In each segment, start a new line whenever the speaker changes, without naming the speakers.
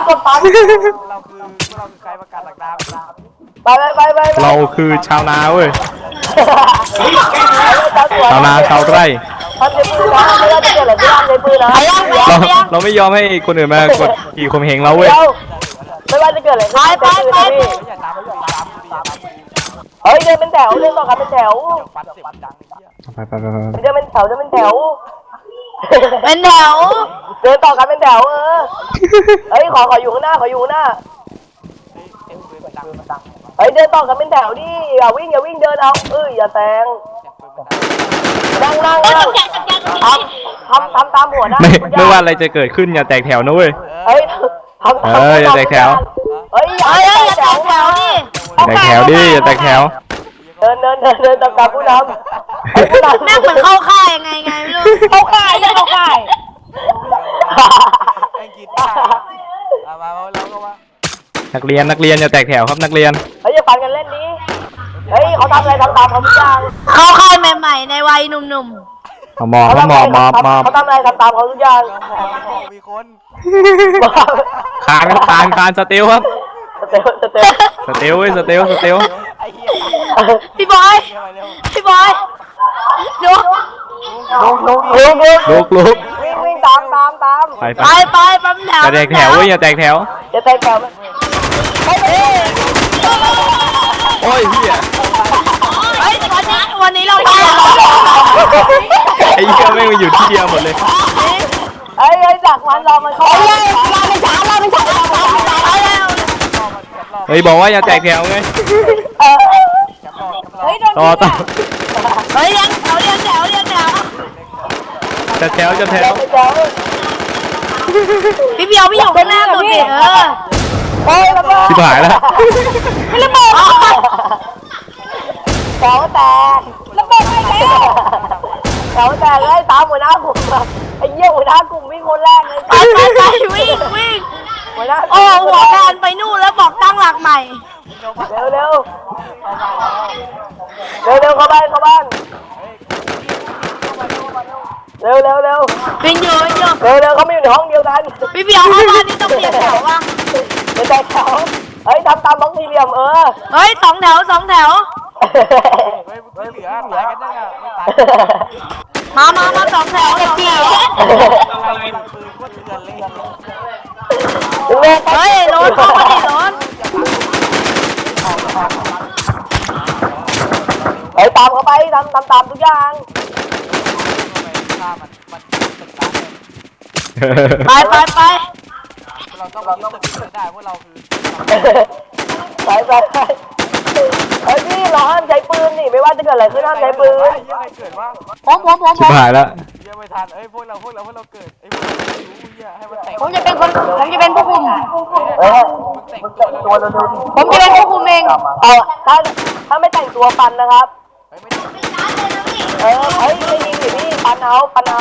กดปั๊ม
เราคือใครประกาศหลักดาว
ไป
เราคือชาวนาเว้ยชาวนาชาวไร่
ทำในปืนนะไม่ได้จะเกิดอะไรไม่ทำในปืนนะ
เราไม่ยอมให้คนอื่นมากดขี่ข่มเหงเราเว้ย
ไม่ว่าจะเกิดอะไรไป
อย่าตามกูดิ
เฮ้ยเดินเป็นแถวเดินต่อกันเป็นแถว
ฟันเสียงดังเหี้ย
ไป
เดินเป็นแถว
เป็นแถว
เดินต่อกันเป็นแถวเฮ้ยขออยู่ข้างหน้า
เสียงปืนมันดัง
เฮ้ยเดินต่อกันเป็นแถวดิอย่าวิ่งเดินเอาอย่าแซง
เสียงปืนมันดัง
นั่ง
ต้องแจก
ทำตามหัวนะ
ไม่ว่าอะไรจะเกิดขึ้นอย่าแตกแถวนะเว้ย
เฮ้ย
อย่าแตกแถว
เฮ้ยอย่าแตกแถวดิ
อย่าแตกแถวดิอย่าแตกแถว
เดินตามผู้นำ
แม่งเหมือนเข้าค่ายยังไงไม่รู้เข้าค่าย
ไอ้กีตาร์มาแล้วก็ว่า
นักเรียนอย่าแตกแถวครับนักเรียน
เฮ้ยอย่าปั่นกันเล่นดิเฮ้ยเขาทำอะไรทำตามเขาทุกอย่าง
เข้าค่ายใหม่ๆในวัยหนุ่ม
หมอบ
เขาทำอะไรทำตามเขาทุกอย่าง
มีคน
คานสเตลครับ
สเตล
สเตล
ไอ้เหี้ย
ๆพี่บอยดู
ลุก
วิ่งตาม
ไป
ไปปั๊มแถว
อย่าแตกแถวเว้ยอย่าแตกแถว
จะแตกแถวไหม
โอ้ยเฮีย
เฮ้ยวันนี้เราไป
ไอ้เหี้ยแม่งมาอยู่ที่เดียวหมดเลย
เฮ้ยจากวันเรามันเข้าเราไม่ช้า
เฮ้ยบอกว่าอย่าแตกแถวไง
เฮ้ย
ต่อ
เฮ้ยเลี้ยงแถว
จะแถว
พี่เบียวพี่อยู่ข้างหน้าสุดดิ
เฮ้ยระเบิด
ชิบหายแล้ว
ระเบิด
แถวแตกระเบิดไปแล้วแถวแตกเลยตามหัวหน้ากลุ่มไอ้เหี้ยหัวหน้ากลุ่มวิ่งคนแรกเลย
ไปวิ่ง
หัวหน้า
โอ้หัวการไปนู่นแล้วบอกตั้งหลักใหม่
เร็วเข้าบ้านเร็ว
วิ่งอยู่
เขาไม่อยู่ในห้องเดียวกัน
พี่เบียวเข้าบ้านนี่ต้องเปลี่ยนแถวว่ะ
เป็นแตกแถวเฮ้ยทำตามบล็อกสี่เหลี่ยม
เฮ้ยสองแถว
เฮ้ยเหลือตายกันยังอ่ะไม่ตาย
มาสองแถว
ปืนก็เถื่อนเลย
เฮ้ยรถเข้ามาดิรถ
เฮ้ยตามเขาไปตามทุกอย่าง
ฆ่ามันตึกตาย
ไป
เราต้องยึดตึกได้เพราะเราคือ
ไปเฮ้ยพี่เราห้ามใช้ปืนนี่ไม่ว่าจะเกิดอะไรขึ้นห้ามใช้ปืน
ยังไงเกิดว่า
ชิบหายแล้ว
ยังไม่ทันพวกเราเกิดไอ้พวกเรารู้เหี้ยให้มันแตก
ผมจะเป็นผู้คุม
มึงแต่งตัวเร็ว
ผมจะเป็นผู้คุมเอง
ถ้าไม่แต่งตัวปันนะครับ
ไม่ได้
เฮ้ยไม่ยิงสิพี่ปันเอา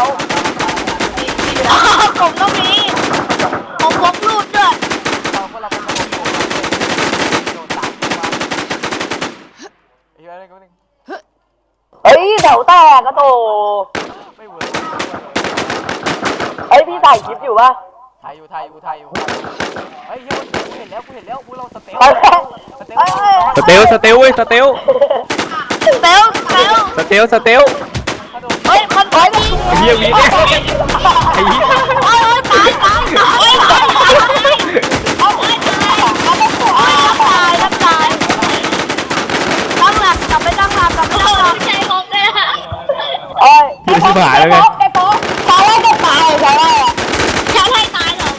ผมต้องมีผมพกรูดด้วย
พวกเราเป็นโดนตามมาไอ้อะไรก็ไม่
เฮ้ยแถวแตกกระโต
ไม่เวิร์ก
เฮ้ยพี่ถ่ายคลิปอยู่ปะ
ไทยอยู่เฮ้ยกูเห็นแล้วพวกเราสเตล
ไปแล้ว
สเตลเว้ยสเตล
เซล เฮ้ยมันไปดิ
ไอ้เหี้ยวีเนี่ยไอ้เหี้ย
โอ้ยตายรับตายตั้งหลักกลับไปตั้งหลักใช่ผมเลย
เฮ้ย
ชิบหายแล้วไง
ตายแล้วจะตายใช่ไหม
จะให้ตายเหรอ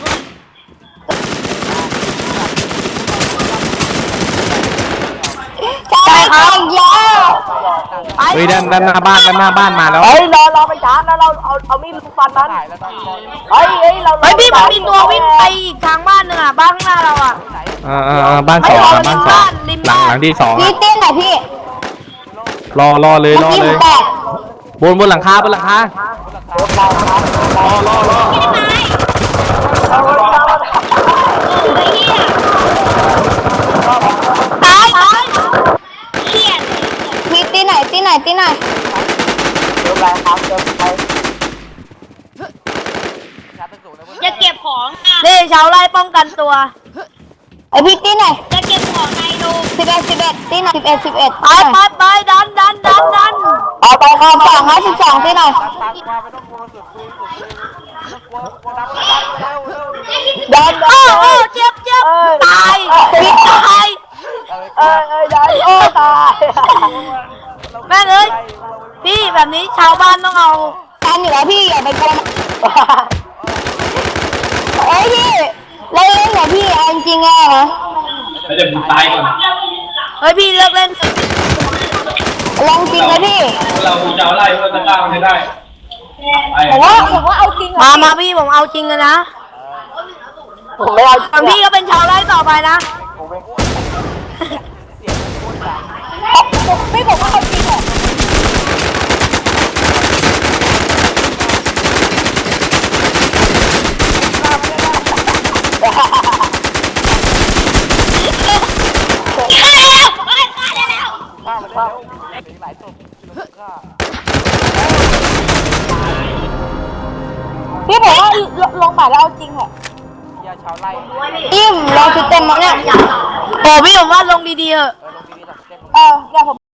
ตายครับยา
เฮ้ยด้านหน้าบ้านมาแล้ว
เฮ้ยรอไปชาร์จแล้วเราเอามีดฟันมัน
ถ่ายแล้วตอนนี้
เฮ้ย
พี่มันมีตัววิ่งไปอีกทางบ้านหนึ่งอ่ะบ้านข้างหน้าเราอ่ะ
บ้านสองหลังที่สอง
พี่เต้นหน่อยพี่
รอเลยบนหลังคา
ร
รอ
ตายเขียนพี่ตีไหน
เริ่มไรครับเริ่มไป
จะเก็บของอ่ะนี่ชาวไร่ป้องกันตัว
ไอพี่ตีหน่อย
จะเก็บของในรู
11ตีหน่อย11
ไปดัน
เอาไปครับ12ตีหน่อย
ตังมาไม่ต้องกลัวสุดคุยไม่ต้องกลัวดันเร็ว
ดัน
โอ้เจ็บตายพี่ตาย
ดันโอ้ตาย
แม่งเอ้ยพี่แบบนี้ชาวบ้านต้องเอา
ทันอยู่แล้วพี่อย่าไปโกงเอ้ยพี่เล่นเหรอพี่เอาจริงๆอะนะ
แล้วเดี๋ยวมึงตายก่อน
เฮ้ยพี่เลิกเล่น
ลองจริงเลยพี่
เราจะเอาไล่เพื่อจะกล้ามันให้ได้
ผมว่าเอาจริง
มาพี่ผมเอาจริงกันนะ
ผมไม่เอา
ฝั่งพี่ก็เป็นชาวไร่ต่อไปนะ
พี่ผมว่าเอาจริงเหรอ
ฆ่ามันได้แล้วมีหลายศพฆ่า
พี่ผมว่าลงใหม่แล้วเอาจริงเหรอย
าชาวไร่
อิ่มลองชุดเต็มมาเนี่ย
โอ้พี่ผมว่าลงดีๆเถอะ
ลงดีๆแบบเต็ม
เดี๋ยวผม